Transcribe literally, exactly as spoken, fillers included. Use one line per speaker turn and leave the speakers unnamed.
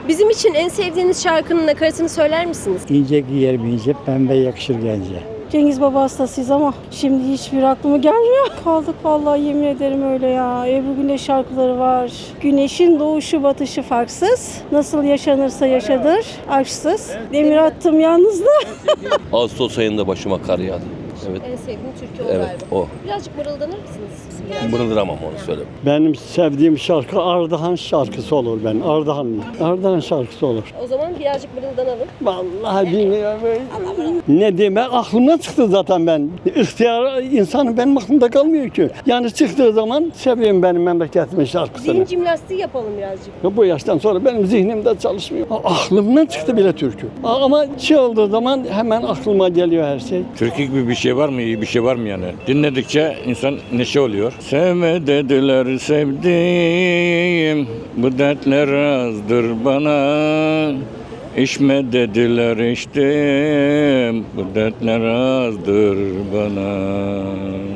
Bizim için en sevdiğiniz şarkının nakaratını söyler misiniz?
İnce giyer bince, pembe yakışır gence.
Cengiz Baba hastasıyız ama şimdi hiçbir aklıma gelmiyor. Kaldık vallahi, yemin ederim öyle ya. Ebru Gündeş şarkıları var. Güneşin doğuşu batışı farksız. Nasıl yaşanırsa yaşadır aşksız. Demir attım yalnızlığa.
Ağustos ayında başıma kar yağdı. Evet.
En sevdiğim türkü o
Evet,
galiba.
o.
Birazcık mırıldanır mısınız?
Mırıldıramam onu söyle.
Benim sevdiğim şarkı Ardahan şarkısı olur ben. Ardahanlıyım. Ardahan şarkısı olur.
O zaman birazcık mırıldanalım.
Vallahi bilmiyorum. Ne demek aklımdan çıktı zaten ben. İhtiyar insanın benim aklımda kalmıyor ki. Yani çıktığı zaman seviyorum benim memleketimin şarkısını.
Zihin jimnastiği yapalım birazcık.
Bu yaştan sonra benim zihnimde çalışmıyor. Aklımdan çıktı bile türkü. Ama şey olduğu zaman hemen aklıma geliyor her şey.
Türkü gibi bir şey var mı? İyi bir şey var mı yani? Dinledikçe insan neşe oluyor. Sevme dediler sevdiğim, bu dertler azdır bana. İçme dediler içtim, bu dertler azdır bana.